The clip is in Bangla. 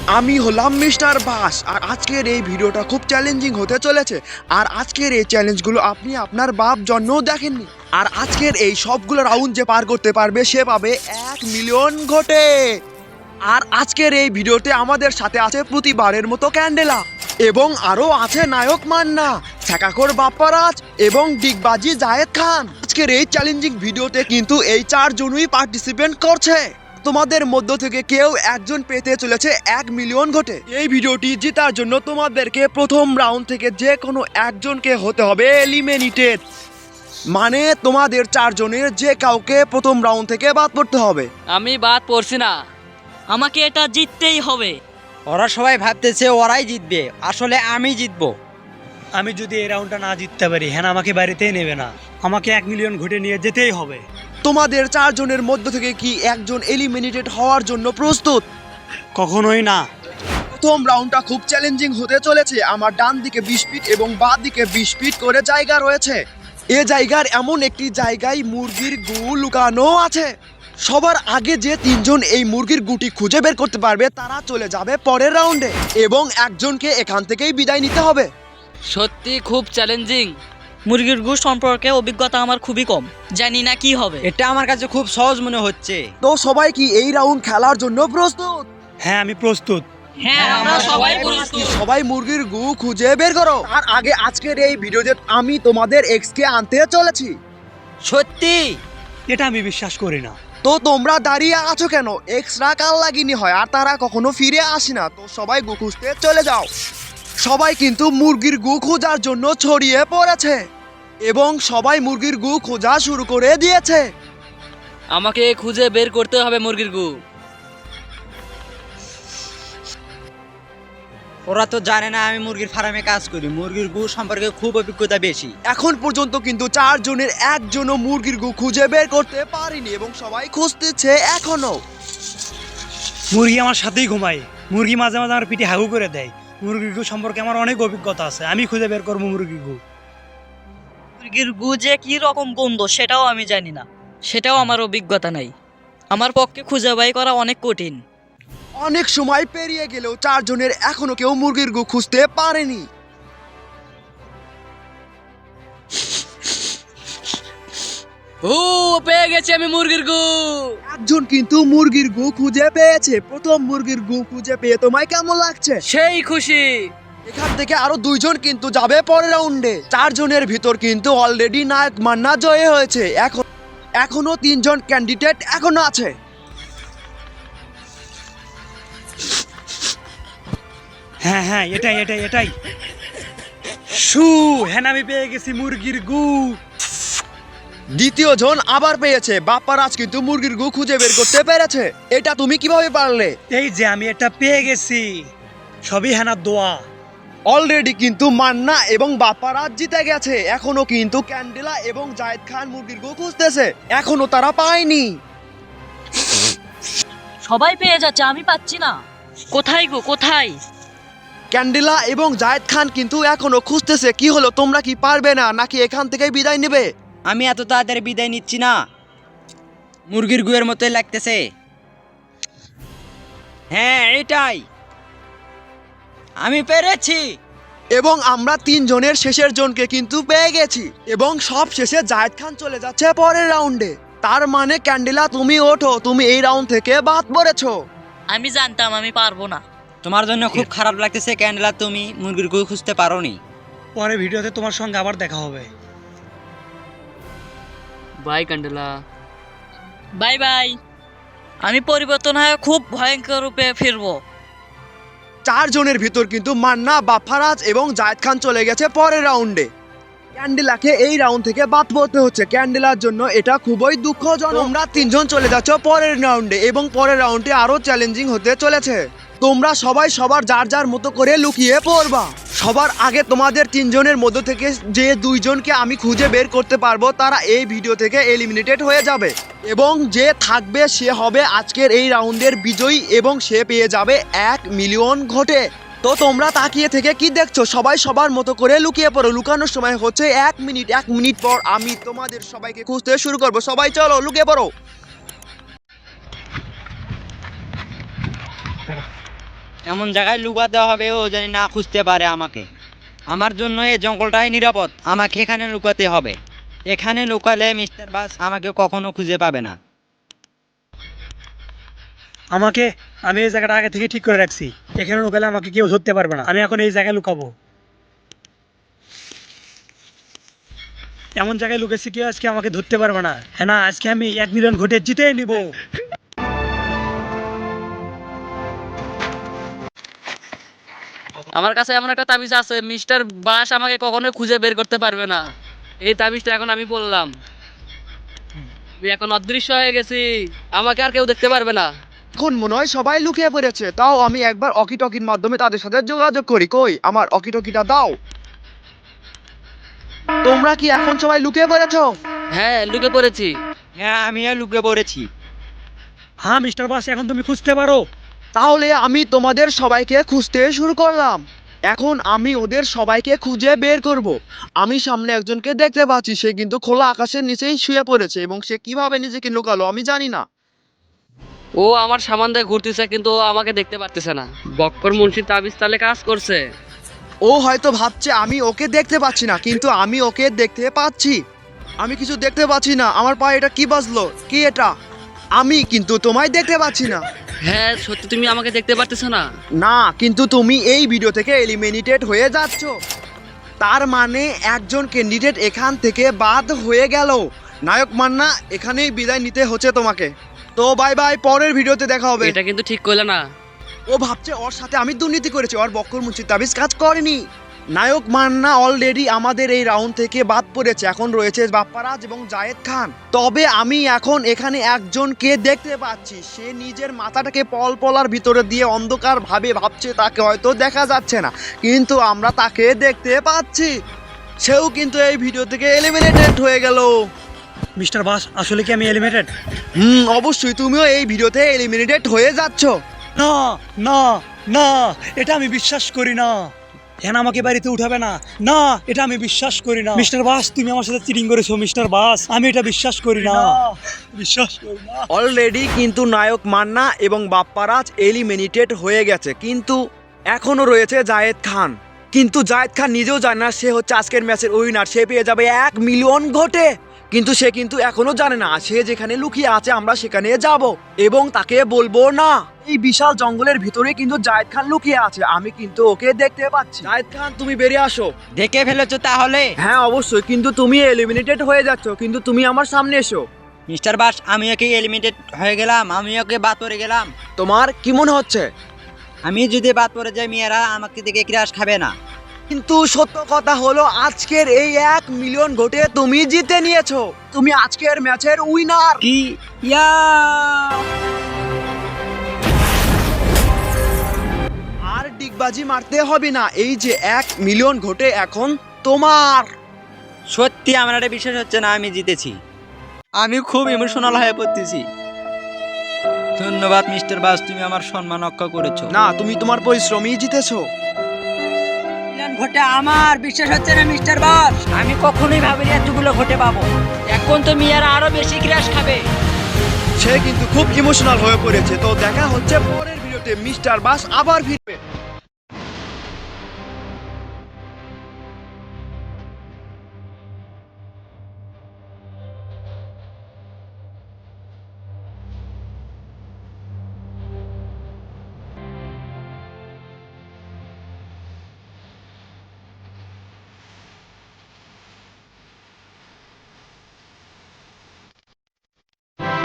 আমি হলাম মিস্টার বাস, আর আজকের এই ভিডিওটা খুব চ্যালেঞ্জিং হতে চলেছে। আর আজকের এই চ্যালেঞ্জগুলো আপনি আপনার বাপ জন্মও দেখেননি। আর আজকের এই সবগুলো রাউন্ড যে পার করতে পারবে সে পাবে 1 মিলিয়ন ঘটে। আর আজকের এই ভিডিওতে আমাদের সাথে আছে প্রতিবারের মতো ক্যান্ডেলা, এবং আরও আছে নায়ক মান্না, ছ্যাকাখোর বাপ্পারাজ এবং ডিগবাজি জায়েদ খান। আজকের এই চ্যালেঞ্জিং ভিডিওতে কিন্তু এই 4 জনই পার্টিসিপেন্ট করছে। তোমাদের মধ্য থেকে কেউ একজন পেতে চলেছে 1 মিলিয়ন ঘটে। এই ভিডিওটি জেতার জন্য তোমাদেরকে প্রথম রাউন্ড থেকে যে কোনো একজনকে হতে হবে এলিমিনেটেড, মানে তোমাদের 4 জনের যে কাউকে প্রথম রাউন্ড থেকে বাদ পড়তে হবে। আমি বাদ পড়ছি না, আমাকে এটা জিততেই হবে। ওরা সবাই ভাবতেছে ওরাই জিতবে, আসলে আমি জিতবো। আমি যদি এই রাউন্ডটা না জিততে পারি হ্যাঁ আমাকে বাড়িতেই নেবে না, আমাকে 1 মিলিয়ন ঘুটে নিয়ে যেতেই হবে। তোমাদের 4 জনের মধ্য থেকে কি একজন এলিমিনেটেড হওয়ার জন্য প্রস্তুত? কখনোই না। প্রথম রাউন্ডটা খুব চ্যালেঞ্জিং হতে চলেছে। আমার ডান দিকে 20 ফিট এবং বাঁ দিকে 20 ফিট করে জায়গা রয়েছে। এ জায়গার এমন একটি জায়গায় মুরগির গু লুকানো আছে। সবার আগে যে 3 জন এই মুরগির গুটি খুঁজে বের করতে পারবে তারা চলে যাবে পরের রাউন্ডে, এবং একজনকে এখান থেকেই বিদায় নিতে হবে। সত্যি খুব চ্যালেঞ্জিং। মুরগির গু সম্পর্কে অভিজ্ঞতা আমার খুবই কম, জানি না কি হবে। এটা আমার কাছে খুব সহজ মনে হচ্ছে। তো সবাই কি এই রাউন্ড খেলার জন্য প্রস্তুত? হ্যাঁ আমি প্রস্তুত। হ্যাঁ, আমরা সবাই প্রস্তুত। সবাই মুরগির গু খুঁজে বের করো। আর আগে আজকের এই ভিডিওতে আমি তোমাদের এক্স কে আনতে চলেছি। সত্যি? এটা আমি বিশ্বাস করি না। তো তোমরা দাঁড়িয়ে আছো কেন? এক্সরা কাল লাগিনি হয় আর তারা কখনো ফিরে আসে না। তো সবাই গু খুঁজতে চলে যাও। সবাই কিন্তু মুরগির গু খোঁজার জন্য ছড়িয়ে পড়েছে, এবং সবাই মুরগির গু খোঁজা শুরু করে দিয়েছে। আমাকে খুঁজে বের করতে হবে মুরগির গু। ওরা তো জানে না আমি মুরগির ফার্মে কাজ করি, মুরগির গু সম্পর্কে খুব অভিজ্ঞতা বেশি। এখন পর্যন্ত কিন্তু 4 জনের একজনও মুরগির গু খুঁজে বের করতে পারেনি, এবং সবাই খুঁজতেছে এখনো। মুরগি আমার সাথেই ঘুমায়, মুরগি মাঝে মাঝে আমার পিঠে হাগু করে দেয়। মুরগির গু সম্পর্কে আমার অনেক অভিজ্ঞতা আছে, আমি খুঁজে বের করবো মুরগির গু। মুরগির গু যে কি রকম গন্ধ সেটাও আমি জানি না, সেটাও আমার অভিজ্ঞতা নাই। আমার পক্ষে খুঁজে বাই করা অনেক কঠিন। অনেক সময় পেরিয়ে গেলেও 4 জনের এখনো কেউ মুরগির গু খুঁজতে পারেনি। ও, পেয়ে গেছি আমি মুরগির গু। একজন কিন্তু মুরগির গু খুঁজে পেয়েছে। প্রথম মুরগির গু খুঁজে পেয়ে তোমায় কেমন লাগছে? সেই খুশি। এখান থেকে আরো 2 জন কিন্তু যাবে পরের রাউন্ডে। 4 জনের ভিতর কিন্তু অলরেডি নায়ক মান্না জয় হয়েছে। এখনো 3 জন ক্যান্ডিডেট এখনো আছে। হ্যাঁ হ্যাঁ এটাই এটাই এটাই শু, হ্যাঁ আমি পেয়ে গেছি মুরগির গু। দ্বিতীয় জন আবার পেয়েছে। বাপ্পারাজ কিন্তু মুরগির গু খুঁজে বের করতে পেরেছে। এটা তুমি কিভাবে পারলে? এই যে আমি এটা পেয়ে গেছি, সবই হ্যানার দোয়া। অলরেডি কিন্তু মান্না এবং বাপ্পারাজ জিতে গেছে। এখনো কিন্তু ক্যান্ডেলা এবং জায়েদ খান মুরগির গু খুঁজতেছে, এখনো তারা পায়নি। সবাই পেয়ে যাচ্ছে, আমি পাচ্ছি না। কোথায় গো, কোথায়? ক্যান্ডেলা এবং জায়েদ খান কিন্তু এখনো খুঁজতেছে। কি হলো, তোমরা কি পারবে না নাকি এখান থেকে বিদায় নেবে? আমি এত তাড়াতাড়ি বিদায় নিচ্ছি না, মুরগির গুয়ের মতোই লাগতেছে। হ্যাঁ এটাই, আমি পেরেছি। এবং আমরা 3 জনের শেষের জনকে কিন্তু পেয়ে গেছি, এবং সব শেষে জায়েদ খান চলে যাচ্ছে পরের রাউন্ডে। তার মানে ক্যান্ডেলা তুমি ওঠো, তুমি এই রাউন্ড থেকে বাদ পড়েছো। আমি জানতাম আমি পারবো না। তোমার জন্য খুব খারাপ লাগতেছে ক্যান্ডেলা, তুমি মুরগির গু খুঁজতে পারোনি। পরে ভিডিওতে তোমার সঙ্গে আবার দেখা হবে। Bye Candela. Bye bye. আমি পরিবর্তন হয়ে খুব ভয়ঙ্কর রূপে ফিরবো। 4 জনের ভিতর কিন্তু মান্না, বাপ্পারাজ এবং জায়েদ খান চলে গেছে পরের রাউন্ডে। ক্যান্ডেলাকে এই রাউন্ড থেকে বাদ পড়তে হচ্ছে। ক্যান্ডেলার জন্য এটা খুবই দুঃখজনক। তোমরা 3 জন চলে যাচ্ছ পরের রাউন্ডে, এবং পরের রাউন্ডে আরো চ্যালেঞ্জিং হতে চলেছে। তোমরা সবাই সবার যার যার মতো করে লুকিয়ে পড়বা। সবার আগে তোমাদের 3 জনের মধ্য থেকে যে 2 জনকে আমি খুঁজে বের করতে পারবো তারা এই ভিডিও থেকে এলিমিনেটেড হয়ে যাবে, এবং যে থাকবে সে হবে আজকের এই রাউন্ডের বিজয়ী, এবং সে পেয়ে যাবে 1 মিলিয়ন ঘটে। তো তোমরা তাকিয়ে থেকে কি দেখছো? সবাই সবার মতো করে লুকিয়ে পড়ো। লুকানোর সময় হচ্ছে 1 মিনিট। 1 মিনিট পর আমি তোমাদের সবাইকে খুঁজতে শুরু করবো। সবাই চলো লুকিয়ে পড়ো। এমন জায়গায় লুকাতে হবে ও জানি না খুঁজতে পারে আমাকে। আমার জন্য এই জঙ্গলটাই নিরাপদ, আমাকে এখানে লুকাতে হবে। এখানে লুকালে মিস্টার বাস আমাকে কখনো খুঁজে পাবে না। আমি এই জায়গাটা আগে থেকে ঠিক করে রাখছি, এখানে লুকালে আমাকে কেউ ধরতে পারবে না। আমি এখন এই জায়গায় লুকাবো, এমন জায়গায় লুকেছি কেউ আজকে আমাকে ধরতে পারবে না। হ্যাঁ না, আজকে আমি 1 মিলিয়ন ভোটে জিতে নিব। আমার কাছে এমন একটা তাবিজ আছে, মিস্টার বাস আমাকে কখনোই খুঁজে বের করতে পারবে না। এই তাবিজটা এখন আমি বললাম, আমি এখন অদৃশ্য হয়ে গেছি, আমাকে আর কেউ দেখতে পারবে না। এখন মনে হয় সবাই লুকিয়ে পড়েছে, তাও আমি একবার অকিটকির মাধ্যমে তাদের সাথে যোগাযোগ করি। কই আমার অকিটকিটা দাও। তোমরা কি এখন সবাই লুকিয়ে পড়েছো? হ্যাঁ, লুকে পড়েছি। হ্যাঁ, আমিও লুকে পড়েছি। হ্যাঁ মিস্টার বাস, এখন তুমি খুঁজতে পারো। তাহলে আমি তোমাদের সবাইকে খুঁজতে শুরু করলাম। এখন আমি ওদের সবাইকে খুঁজে বের করব। আমি সামনে একজনকে দেখতে পাচ্ছি, সে কিন্তু খোলা আকাশের নিচেই শুয়ে পড়েছে এবং সে কিভাবে নিজেকে লুকালো আমি জানি না। ও আমার সামান দিয়ে ঘুরতেছে, কিন্তু ও আমাকে দেখতে পারতেছে না। বক্কর মুন্সির তাবিজ তাহলে কাজ করছে। ও হয়তো ভাবছে আমি ওকে দেখতে পাচ্ছি না, কিন্তু আমি ওকে দেখতে পাচ্ছি। আমি কিছু দেখতে পাচ্ছি না। আমার পায়ে এটা কি বাজলো? কি এটা? আমি কিন্তু তোমায় দেখতে পাচ্ছি না। হ্যাঁ সত্যি, তুমি আমাকে দেখতে পারতেছো না। না, কিন্তু তুমি এই ভিডিও থেকে এলিমিনেটেড হয়ে যাচ্ছ। তার মানে একজন ক্যান্ডিডেট এখান থেকে বাদ হয়ে গেল। নায়ক মান্না, এখানেই বিদায় নিতে হচ্ছে তোমাকে। তো বাই বাই, পরের ভিডিওতে দেখা হবে। এটা কিন্তু ঠিক করলে না। ও ভাবছে ওর সাথে আমি দুর্নীতি করেছি, ওর বক্কর মুন্সির তাবিজ কাজ করেনি। নায়ক মান্না অলরেডি আমাদের এই রাউন্ড থেকে বাদ পড়েছে। এখন রয়েছে বাপ্পারাজ এবং জায়েদ খান। তবে আমি এখন এখানে একজনকে দেখতে পাচ্ছি, সে নিজের মাথাটাকে পলপলার ভিতরে দিয়ে অন্ধকার ভাবে ভাবছে তাকে হয়তো দেখা যাচ্ছে না, কিন্তু আমরা তাকে দেখতে পাচ্ছি। সেও কিন্তু এই ভিডিও থেকে এলিমিনেটেড হয়ে গেল। মিস্টার বাস, আসলে কি আমি এলিমিনেটেড? অবশ্যই তুমিও এই ভিডিওতে এলিমিনেটেড হয়ে যাচ্ছ। না না না, এটা আমি বিশ্বাস করি না। হ্যাঁ, আমাকে বাড়িতে উঠাবে না। না, এটা আমি বিশ্বাস করি না। মিস্টার বাস, তুমি আমার সাথে চিটিং করেছো। মিস্টার বাস, আমি এটা বিশ্বাস করি না, বিশ্বাস করি না। অলরেডি কিন্তু নায়ক মান্না এবং বাপ্পারাজ এলিমিনেটেড হয়ে গেছে, কিন্তু এখনো রয়েছে জায়েদ খান। কিন্তু জায়েদ খান নিজেও জানে না সে হচ্ছে আজকের ম্যাচের উইনার, সে পেয়ে যাবে 1 মিলিয়ন ভোটে। কিন্তু সে কিন্তু এখনো জানে না সে যেখানে লুকিয়ে আছে আমরা সেখানে যাব এবং তাকে বলবো না। এই বিশাল জঙ্গলের ভিতরে কিন্তু জায়েদ খান লুকিয়ে আছে, আমি কিন্তু ওকে দেখতে পাচ্ছি। জায়েদ খান, তুমি বেরিয়ে আসো। দেখে ফেলেছো তাহলে? হ্যাঁ অবশ্যই, কিন্তু তুমি এলিমিনেটেড হয়ে যাচ্ছ, কিন্তু তুমি আমার সামনে এসো। মিস্টার বাস, আমি ওকে এলিমিনেটেড হয়ে গেলাম, আমি ওকে বাদ পড়ে গেলাম। তোমার কি মনে হচ্ছে? আমি যদি বাদ পড়ে যাই, মেয়েরা আমাকে দেখে ক্রাশ খাবে না। কিন্তু সত্য কথা হলো আজকের এই 1 মিলিয়ন ভোটে তুমি জিতে নিয়েছো। তুমি আজকের ম্যাচের উইনার। কি? ইয়া! আর ডিগবাজি মারতে হবে না, এই যে 1 মিলিয়ন ভোটে এখন তোমার। সত্যি আমার এটা বিশ্বাস হচ্ছে না আমি জিতেছি। আমি খুব ইমোশনাল হয়ে পড়তেছি। ধন্যবাদ মিস্টার বাস, তুমি আমার সম্মান রক্ষা করেছো। না, তুমি তোমার পরিশ্রমই জিতেছো। ভোটে আমার বিশ্বাস হচ্ছে না মিস্টার বাস, আমি কখনোই ভাবিনি এতগুলো ভোটে পাবো। এখন তো মিয়ারা আরো বেশি ক্রাশ খাবে। সে কিন্তু খুব ইমোশনাল হয়ে পড়েছে। তো দেখা হচ্ছে পরের ভিডিওতে। মিস্টার বাস আবার ফিরবে।